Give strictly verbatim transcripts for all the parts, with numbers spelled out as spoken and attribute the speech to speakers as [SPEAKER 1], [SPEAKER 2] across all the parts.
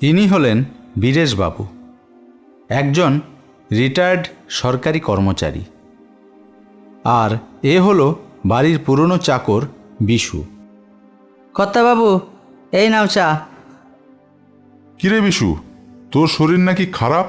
[SPEAKER 1] ইনি হলেন বীরেশবাবু, একজন রিটায়ার্ড সরকারি কর্মচারী। আর এ হলো বাড়ির পুরনো চাকর বিশু।
[SPEAKER 2] কর্তাবাবু, এই নাও চা।
[SPEAKER 3] কিরে বিশু, তোর শরীর নাকি খারাপ?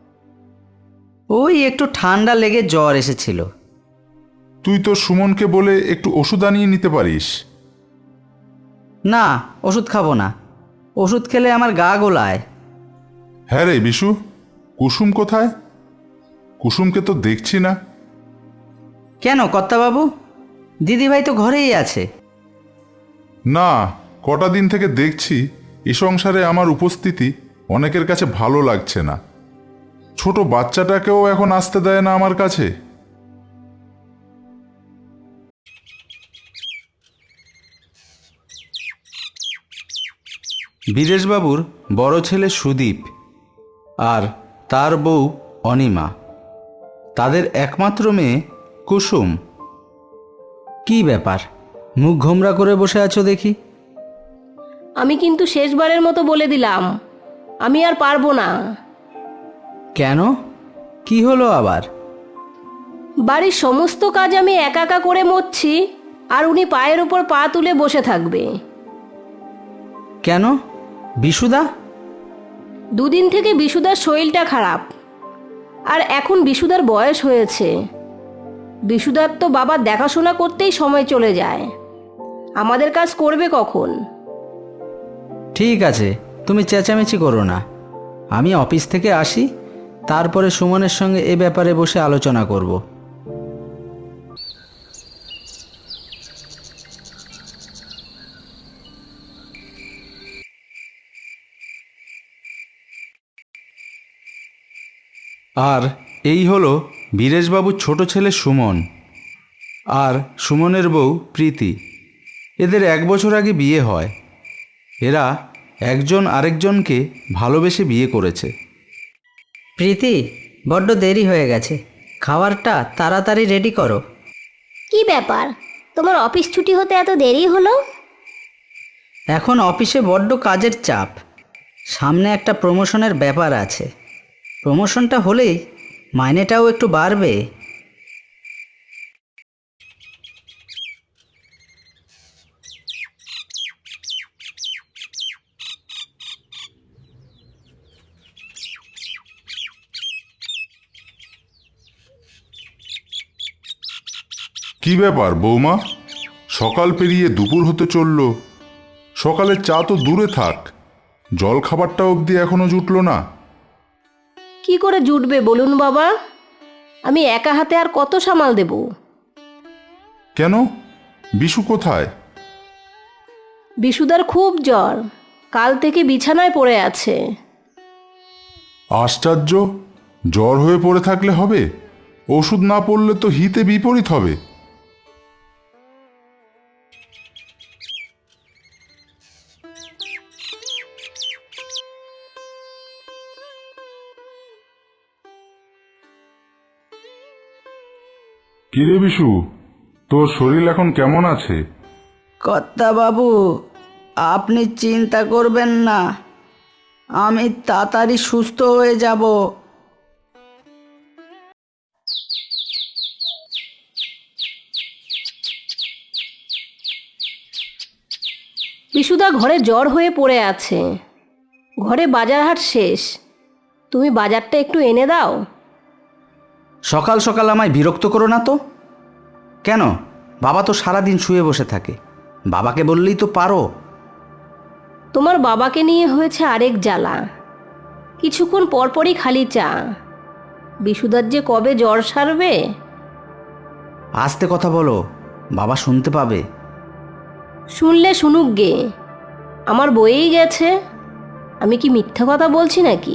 [SPEAKER 2] ওই একটু ঠান্ডা লেগে জ্বর এসেছিল।
[SPEAKER 3] তুই তোর সুমনকে বলে একটু ওষুধ আনিয়ে নিতে পারিস।
[SPEAKER 2] না, ওষুধ খাবো না। ওষুধ খেলে আমার গা গোলায়।
[SPEAKER 3] হ্যাঁ রে বিশু, কুসুম কোথায়? কুসুমকে তো দেখছি না।
[SPEAKER 2] কেন কর্তাবাবু? দিদিভাই তো ঘরেই আছে।
[SPEAKER 3] না, কটা দিন থেকে দেখছি এ সংসারে আমার উপস্থিতি অনেকের কাছে ভালো লাগছে না। ছোট বাচ্চাটাকেও এখন আসতে দেয় না আমার কাছে।
[SPEAKER 1] বীরেশবাবুর বড় ছেলে সুদীপ আর তার বউ অনিমা, তাদের একমাত্র মেয়ে কুসুম।
[SPEAKER 2] কি ব্যাপার, মুখ ঘোমরা করে বসে আছো দেখি?
[SPEAKER 4] আমি কিন্তু শেষবারের মতো বলে দিলাম, আমি আর পারবো না।
[SPEAKER 2] কেন, কি হলো আবার?
[SPEAKER 4] বাড়ির সমস্ত কাজ আমি একা একা করে মরছি, আর উনি পায়ের উপর পা তুলে বসে থাকবে।
[SPEAKER 2] কেন, বিশুদা?
[SPEAKER 4] দুদিন থেকে বিশুদার শরীরটা খারাপ, আর এখন বিশুদার বয়স হয়েছে। বিশুদার তো বাবার দেখাশোনা করতেই সময় চলে যায়। আমাদের কাজ করবে কখন?
[SPEAKER 2] ঠিক আছে, তুমি চেঁচামেচি করো না। আমি অফিস থেকে আসি, তারপরে সুমনের সঙ্গে এ ব্যাপারে বসে আলোচনা করব।
[SPEAKER 1] আর এই হলো বীরেশবাবুর ছোট ছেলে সুমন আর সুমনের বউ প্রীতি। এদের এক বছর আগে বিয়ে হয়। এরা একজন আরেকজনকে ভালোবেসে বিয়ে করেছে।
[SPEAKER 2] প্রীতি, বড্ড দেরি হয়ে গেছে, খাবারটা তাড়াতাড়ি রেডি করো।
[SPEAKER 5] কি ব্যাপার, তোমার অফিস ছুটি হতে এত দেরি হলো?
[SPEAKER 2] এখন অফিসে বড্ড কাজের চাপ। সামনে একটা প্রমোশনের ব্যাপার আছে। প্রমোশনটা হলেই মাইনেটাও একটু বাড়বে।
[SPEAKER 3] কি ব্যাপার বৌমা, সকাল পেরিয়ে দুপুর হতে চলল, সকালের চা তো দূরে থাক, জল খাবারটা অবধি এখনো জুটলো না।
[SPEAKER 4] কি করে জুটবে বলুন বাবা? আমি একা হাতে আর কত সামাল দেব?
[SPEAKER 3] কেন, বিশু কোথায়?
[SPEAKER 4] বিশুদার খুব জ্বর, কাল থেকে বিছানায় পড়ে আছে।
[SPEAKER 3] আশ্চর্য, জ্বর হয়ে পড়ে থাকলে হবে? ওষুধ না পড়লে তো হিতে বিপরীত হবে। কিরে বিশু, তোর শরীর এখন কেমন আছে?
[SPEAKER 2] কর্তাবাবু, আপনি চিন্তা করবেন না, আমি তাড়াতাড়ি সুস্থ হয়ে যাব।
[SPEAKER 4] বিশুদা ঘরে জ্বর হয়ে পড়ে আছে। ঘরে বাজার হাট শেষ, তুমি বাজারটা একটু এনে দাও।
[SPEAKER 2] সকাল সকাল আমায় বিরক্ত করো না তো। কেন, বাবা তো সারাদিন শুয়ে বসে থাকে, বাবাকে বললেই তো পারো।
[SPEAKER 4] তোমার বাবাকে নিয়ে হয়েছে আরেক জ্বালা। কিছুক্ষণ পরপরই খালি চা। বিশুদার যে কবে জ্বর সারবে।
[SPEAKER 2] আস্তে কথা বলো, বাবা শুনতে পাবে।
[SPEAKER 4] শুনলে শুনুক গে, আমার বয়েই গেছে। আমি কি মিথ্যা কথা বলছি নাকি?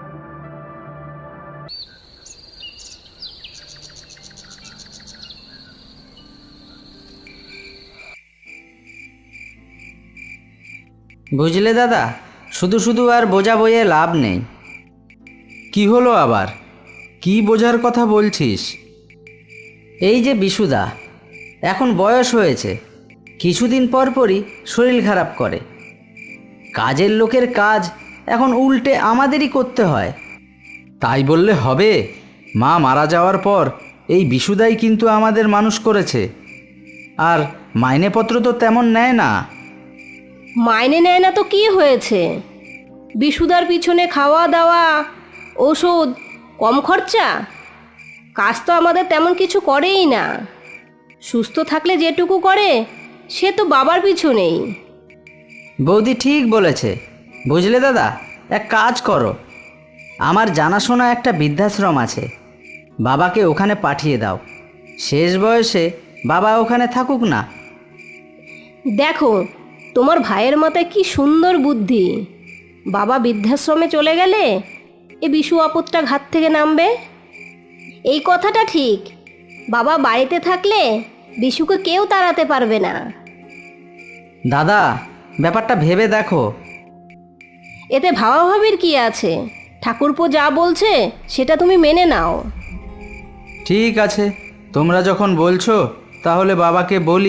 [SPEAKER 2] বুঝলে দাদা, শুধু শুধু আর বোঝা বইয়ে লাভ নেই।
[SPEAKER 1] কি হলো আবার? কি বোঝার কথা বলছিস?
[SPEAKER 2] এই যে বিশুদা, এখন বয়স হয়েছে, কিছুদিন পর পরই শরীর খারাপ করে। কাজের লোকের কাজ এখন উল্টে আমাদেরই করতে হয়।
[SPEAKER 1] তাই বললে হবে? মা মারা যাওয়ার পর এই বিশুদাই কিন্তু আমাদের মানুষ করেছে, আর মাইনেপত্র তো তেমন নেয় না।
[SPEAKER 4] মাইনে নেয় না তো কি হয়েছে? বিশুদার পিছনে খাওয়া দাওয়া, ওষুধ, কম খরচা। কাজ তো আমাদের তেমন কিছু করেই না। সুস্থ থাকলে যেটুকু করে সে তো বাবার পিছনেই।
[SPEAKER 2] বৌদি ঠিক বলেছে। বুঝলে দাদা, এক কাজ করো, আমার জানাশোনা একটা বৃদ্ধাশ্রম আছে, বাবাকে ওখানে পাঠিয়ে দাও। শেষ বয়সে বাবা ওখানে থাকুক না।
[SPEAKER 4] দেখো, তোমার ভাইয়ের মাথায় কি সুন্দর বুদ্ধি। বাবা বৃদ্ধাশ্রমে চলে গেলে এ বিশু আপদটা ঘাট থেকে নামবে।
[SPEAKER 5] এই কথাটা ঠিক। বাবা বাড়িতে থাকলে বিশুকে কেউ তাড়াতে পারবে না।
[SPEAKER 2] দাদা, ব্যাপারটা ভেবে দেখো।
[SPEAKER 4] এতে ভাবাভাবির কি আছে? ঠাকুরপো যা বলছে সেটা তুমি মেনে নাও।
[SPEAKER 1] ঠিক আছে, তোমরা যখন বলছো তাহলে বাবাকে বলি।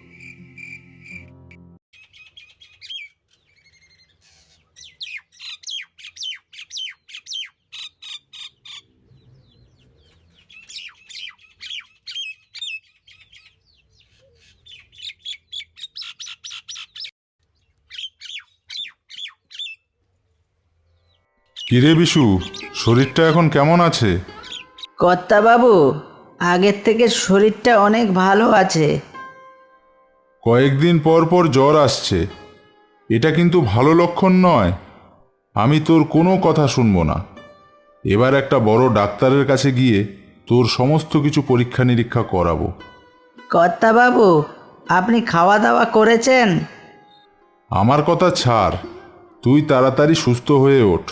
[SPEAKER 3] কিরে বিশু, শরীরটা এখন কেমন আছে?
[SPEAKER 2] কর্তাবাবু, আগের থেকে শরীরটা অনেক ভালো আছে।
[SPEAKER 3] কয়েকদিন পর পর জ্বর আসছে, এটা কিন্তু ভালো লক্ষণ নয়। আমি তোর কোনো কথা শুনবো না। এবার একটা বড় ডাক্তারের কাছে গিয়ে তোর সমস্ত কিছু পরীক্ষা নিরীক্ষা করাবো।
[SPEAKER 2] কর্তাবাবু, আপনি খাওয়া দাওয়া করেছেন?
[SPEAKER 3] আমার কথা ছাড়, তুই তাড়াতাড়ি সুস্থ হয়ে ওঠ।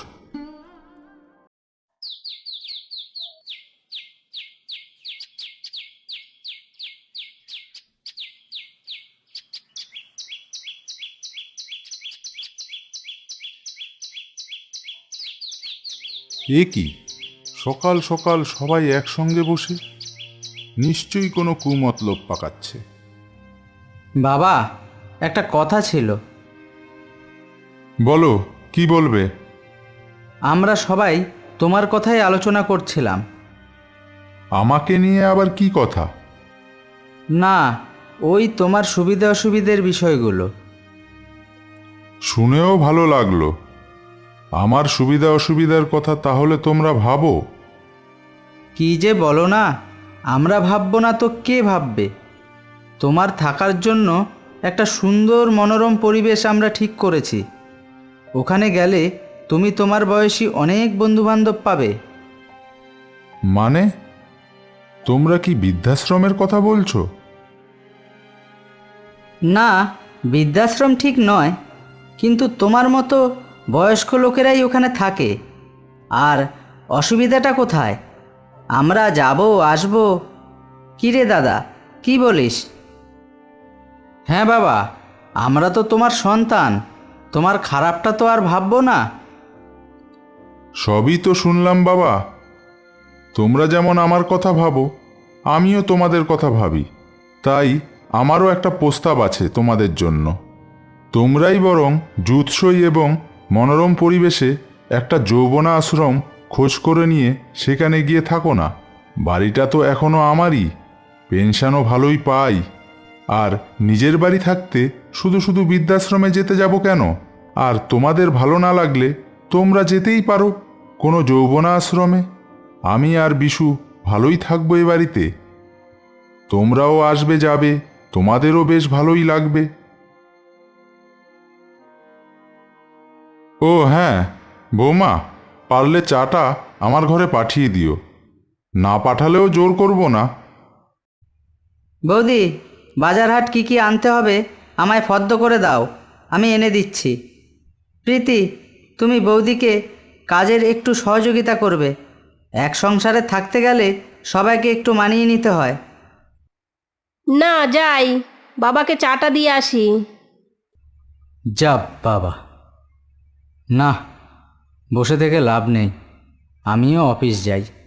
[SPEAKER 3] এ কি, সকাল সকাল সবাই একসঙ্গে বসে? নিশ্চয়ই কোনো কুমতলব পাকাচ্ছে।
[SPEAKER 1] বাবা, একটা কথা ছিল।
[SPEAKER 3] বলো, কি বলবে?
[SPEAKER 1] আমরা সবাই তোমার কথাই আলোচনা করছিলাম।
[SPEAKER 3] আমাকে নিয়ে আবার কি কথা?
[SPEAKER 1] না, ওই তোমার সুবিধা অসুবিধের বিষয়গুলো।
[SPEAKER 3] শুনেও ভালো লাগলো। আমার সুবিধা অসুবিধার কথা তাহলে তোমরা ভাবো।
[SPEAKER 1] কি যে বলো না, আমরা ভাববো না তো কে ভাববে? তোমার থাকার জন্য একটা সুন্দর মনোরম পরিবেশ আমরা ঠিক করেছি। ওখানে গেলে তুমি তোমার বয়সী অনেক বন্ধুবান্ধব পাবে।
[SPEAKER 3] মানে, তোমরা কি বৃদ্ধাশ্রমের কথা বলছো?
[SPEAKER 2] না, বৃদ্ধাশ্রম ঠিক নয়, কিন্তু তোমার মতো বয়স্ক লোকেরাই ওখানে থাকে। আর অসুবিধাটা কোথায়? আমরা যাব আসব। কী রে দাদা, কি বলিস?
[SPEAKER 1] হ্যাঁ বাবা, আমরা তো তোমার সন্তান, তোমার খারাপটা তো আর ভাববো না।
[SPEAKER 3] সবই তো শুনলাম বাবা। তোমরা যেমন আমার কথা ভাবো, আমিও তোমাদের কথা ভাবি। তাই আমারও একটা প্রস্তাব আছে তোমাদের জন্য। তোমরাই বরং জুৎসই এবং মনোরম পরিবেশে একটা যৌবনা আশ্রম খোঁজ করে নিয়ে সেখানে গিয়ে থাকো না। বাড়িটা তো এখনো আমারই, পেনশনও ভালোই পাই। আর নিজের বাড়ি থাকতে শুধু শুধু বৃদ্ধাশ্রমে যেতে যাব কেন? আর তোমাদের ভালো না লাগলে তোমরা যেতেই পারো কোনো যৌবনা আশ্রমে। আমি আর বিশু ভালোই থাকবো এ বাড়িতে। তোমরাও আসবে যাবে, তোমাদেরও বেশ ভালোই লাগবে। ও হ্যাঁ বৌমা, পারলে চাটা আমার ঘরে পাঠিয়ে দিও। না পাঠালেও জোর করব না।
[SPEAKER 2] বৌদি, বাজার হাট কী কী আনতে হবে আমায় ফর্দ করে দাও, আমি এনে দিচ্ছি। প্রীতি, তুমি বৌদিকে কাজের একটু সহযোগিতা করবে। এক সংসারে থাকতে গেলে সবাইকে একটু মানিয়ে নিতে হয়।
[SPEAKER 4] না, যাই, বাবাকে চাটা দিয়ে আসি।
[SPEAKER 1] যা বাবা, না, বসে থেকে লাভ নেই, আমিও অফিস যাই।